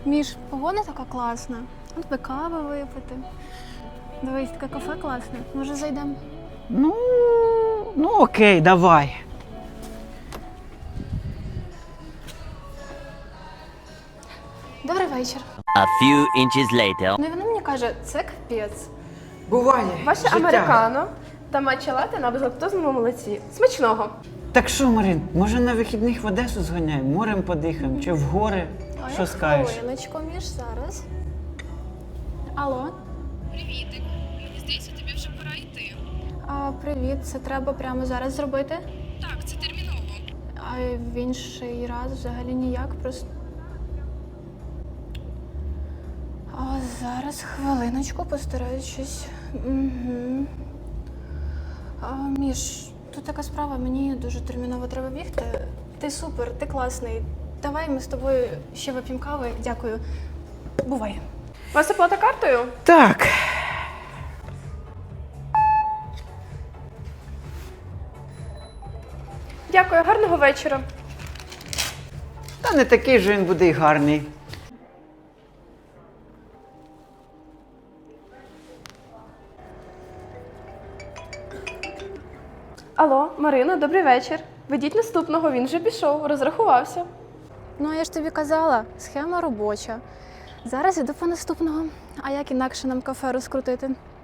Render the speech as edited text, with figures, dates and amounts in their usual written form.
Міш, погода така класна. От би кави випити. Дивись, таке кафе класне. Може, зайдемо? Ну окей, давай. Добрий вечір. A few inches later. Ну і вона мені каже, це капець. Буває. Ваше життя. американо та матча лате на безлактозному молоці. Смачного! Так що, Марин, може на вихідних в Одесу зганяємо, морем подихаємо чи в гори? Що скажеш? Хвилиночку, Міш, зараз. Алло? Привітик. Мені здається, тобі вже пора йти. Привіт, це треба прямо зараз зробити? Так, це терміново. А в інший раз взагалі ніяк, просто... Зараз, хвилиночку, постараюсь щось. Угу. Міш, тут така справа, мені дуже терміново треба бігти. Ти супер, ти класний. Давай ми з тобою ще вип'ємо кави. Дякую. Бувай. У вас оплата картою? Так. Дякую, гарного вечора. Та не такий же він буде й гарний. Алло, Марина, добрий вечір. Ведіть наступного, він вже пішов, розрахувався. Ну, я ж тобі казала, схема робоча. Зараз іду по наступного. А як інакше нам кафе розкрутити?